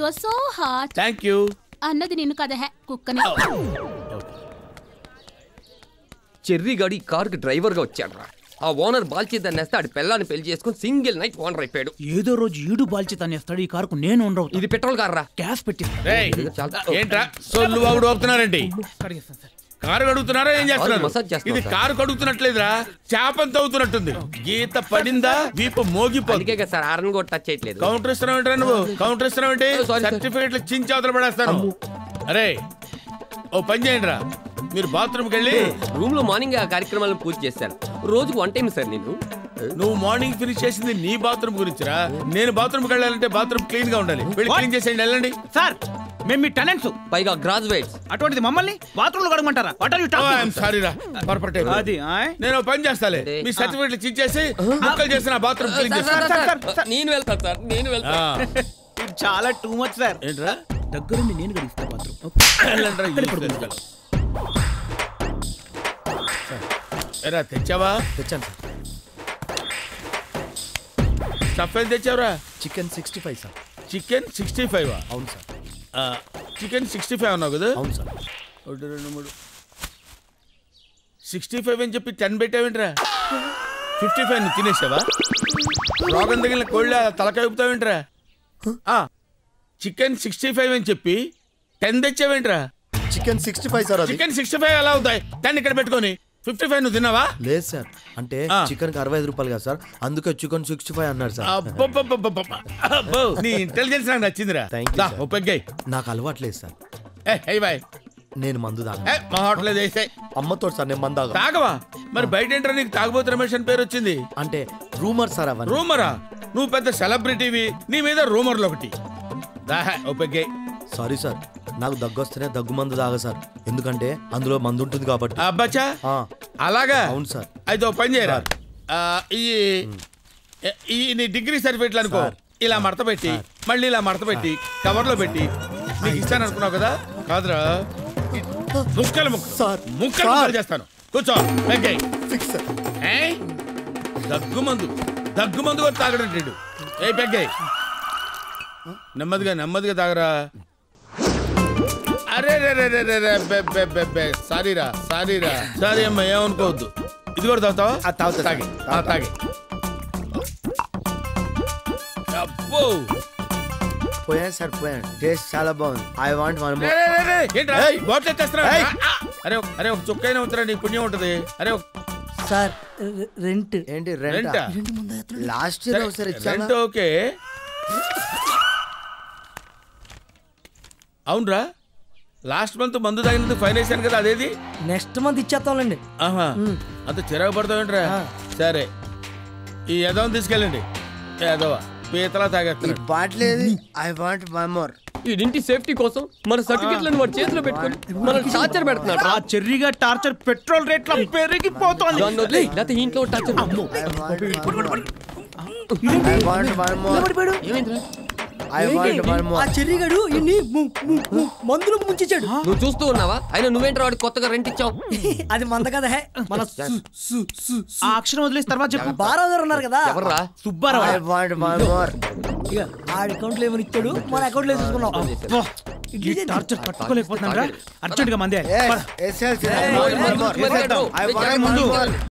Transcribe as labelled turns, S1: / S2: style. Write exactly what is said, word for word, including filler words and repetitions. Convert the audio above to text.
S1: So hot.
S2: Thank you
S1: అన్నది నిన్ను కదా హే కుక్కని.
S3: చెర్రీ గాడి కారుకి డ్రైవర్ గా వచ్చాడు. ఆ ఓనర్ బాల్చేద్దాన్ని వేస్తే ఆడి పిల్లాన్ని పెళ్లి చేసుకుని సింగిల్ నైట్ ఓనర్ అయిపోయాడు.
S4: ఏదో రోజు ఈడు బాల్చేతాన్ని వేస్తాడు, ఈ కారుకు నేను ఓనర్ అవుతా.
S3: ఇది పెట్రోల్ కార్రా,
S4: గ్యాస్ పెట్టి
S2: ఏంట్రా సొల్లు వాగుడు అవుతున్నారండి. కారు కడుగుతున్నారా ఏం చేస్తున్నారు?
S3: మసాజ్ చేస్తున్నారు
S2: ఇది కారు కడుగుతున్నట్లేదురా, చేపంత అవుతున్నట్టుంది. గీత పడిందా వీపు మోగిపోయింది
S3: సార్. ఆరన్ కూడా టచ్ చేయట్లేదు.
S2: కౌంటర్ ఇస్తున్నావు నువ్వు, కౌంటర్ ఇస్తున్నావు సర్టిఫికెట్లు చించి అవతల పడేస్తాను. అరే ఓ పని చేయండి రా, మీరు బాత్రూమ్కి వెళ్ళి
S3: రూమ్ లో మార్నింగ్ ఆ కార్యక్రమాలను పూర్తి చేశాను. రోజుకు వన్ టైం సార్. నేను
S2: నువ్వు మార్నింగ్ ఫినిష్ చేసింది నీ బాత్రూమ్ గురించిరా. నేను బాత్రూమ్కి వెళ్ళాలంటే బాత్రూమ్ క్లీన్ గా ఉండాలి. వెళ్ళి క్లీన్ చేసేయండి, వెళ్ళండి.
S4: సార్ మేము మీ టాలెంట్స్,
S3: పైగా గ్రాడ్యుయేట్స్,
S4: అటువంటిది మమ్మల్ని బాత్రూమ్ లో కడగమంటారా? What are you talking?
S2: Sorry రా, పొరపాటే.
S4: అది
S2: నేను పని చేస్తాలే, మీ సర్టిఫికెట్లు చించేసి ముక్కలు చేసిన బాత్రూమ్ క్లీన్ చేస్తాను.
S3: నేను వెళ్తాను సార్, నేను వెళ్తాను.
S4: చాలా టూ మచ్ సార్.
S2: ఏంట్రా
S4: దగ్గరుండి నేను గడిస్తా బాత్రూమ్.
S2: ఎరా తెచ్చావా?
S5: తెచ్చాను సార్.
S2: స్టఫ్ ఏం తెచ్చావురా?
S5: Chicken sixty five sir.
S2: Chicken sixty five?
S5: అవును సార్.
S2: చికెన్ సిక్స్టీ ఫైవ్ అన్నావు కదా?
S5: అవును సార్.
S2: ఒకటి రెండు మూడు సిక్స్టీ ఫైవ్ అని చెప్పి టెన్ పెట్టావేంట్రా? ఫిఫ్టీ ఫైవ్ నువ్వు తినేసావా? రోగం తగిలిన కోళ్ళ తలకాయ ఊపుతావేంట్రా? చికెన్ సిక్స్టీ ఫైవ్ అని చెప్పి టెన్ తెచ్చావేంట్రా?
S5: Chicken sixty five sir.
S2: Chicken sixty five ఎలా అవుతాయి? టెన్ ఇక్కడ పెట్టుకొని ఫిఫ్టీ ఫైవ్ నువ్వు తిన్నావా?
S5: లేదు సార్, అంటే చికెన్ కి అరవై ఐదు రూపాయలు కదా సార్, అందుకే చికెన్ సిక్స్టీ ఫైవ్ అన్నారు సార్.
S2: నీ ఇంటెలిజెన్స్ నాకు నచ్చిందిరా.
S5: నాకు అలవాట్లేదు సార్.
S2: బాయ్
S5: నేను మందు తాగా.
S2: మా హోటల్ వేసే
S5: అమ్మతో సార్ నేను మందు తాగా.
S2: తాగవా? మరి బయట ఏంట్రా నీకు తాగబోతు రమేష్ అని పేరు వచ్చింది?
S5: అంటే రూమర్ సార్. అవన్నీ
S2: రూమరా? నువ్వు పెద్ద సెలబ్రిటీవి, నీ మీద రూమర్లు ఒకటి.
S5: సారీ సార్, నాకు దగ్గు వస్తేనే దగ్గు మందు తాగా సార్, ఎందుకంటే అందులో మందు ఉంటుంది కాబట్టి.
S2: అబ్బాచా అలాగా?
S5: అవును సార్.
S2: అయితే ఓ పని చేయరా, ఈ నీ డిగ్రీ సర్టిఫికెట్లు అనుకో ఇలా మడత పెట్టి మళ్ళీ ఇలా మడత పెట్టి కవర్ లో పెట్టి నీకు ఇస్తాను అనుకున్నావు కదా? కాదురా, ముక్కలు ముక్కలు
S5: సార్,
S2: ముక్కలు ముక్కలు చేస్తాను. కూర్చో. దగ్గు మందు దగ్గు మందు కూడా తాగడంటాడు. ఏ పెగ్గాయి, నెమ్మదిగా నెమ్మదిగా తాగరా. అరే రే సారీరా సారీరా సారీ అమ్మా, ఏమనుకోవద్దు. ఇది కూడా తాగుతావా? తాగుతా. తాగి తాగి అబ్బో
S5: పోయాను సార్, పోయాను. టేస్ట్ చాలా బాగుంది. I want one more.
S2: ఏంట్రా బాటిల్ ఎత్తేస్తున్నా? అరే అరే ఒక చుక్కైనా ఉంటురా, నీ పుణ్యం ఉంటది. అరే
S6: సార్ రెంట్.
S5: ఏంటి రెంట్? లాస్ట్ ఇయర్ ఒకసారి
S2: రెంట్. ఓకే అవునరా, లాస్ట్ మంత్ మందు తాగినందుకు ఫైన్ వేసాను కదా, అదేది?
S6: నెక్స్ట్ మంత్ ఇచ్చేస్తాంలేండి.
S2: ఆహా, అంత చిరాకు పడతావేంట్రా? సరే ఈ యదవని తీసుకెళ్ళండి. యదవ పీతలా తాగేస్తాడు.
S5: బాట్లేదు. I want one more.
S3: ఇంటి సేఫ్టీ కోసం మన సర్టిఫికెట్లను వాడి చేతిలో పెట్టుకొని మనం టార్చర్ పెడుతున్నాడు.
S4: ఆ చెర్రీగా టార్చర్ పెట్రోల్ రేట్ల పెరిగిపోతోంది.
S3: లేకపోతే ఇంట్లో టార్చర్.
S6: ఆ చెర్రీగాడు ఇన్ని మందులు ముంచాడు.
S3: నువ్వు చూస్తూ ఉన్నావా? అయినా నువ్వేంట్రా వాడికి కొత్తగా రెంట్ ఇచ్చావు?
S6: అది మంద కదా. మన
S4: ఆ అక్షరం వదిలేసి తర్వాత చెప్పు.
S6: బారాదారు ఉన్నారు కదా,
S3: ఎవర్రా?
S4: సుబ్బారావు.
S6: ఆడి అకౌంట్ లో ఏమని ఇచ్చాడు, మన అకౌంట్ లో తీసుకున్నాం.
S4: టార్చర్ పట్టుకోలేకపోతున్నారా? అర్జెంట్ గా మందే.
S5: ముందు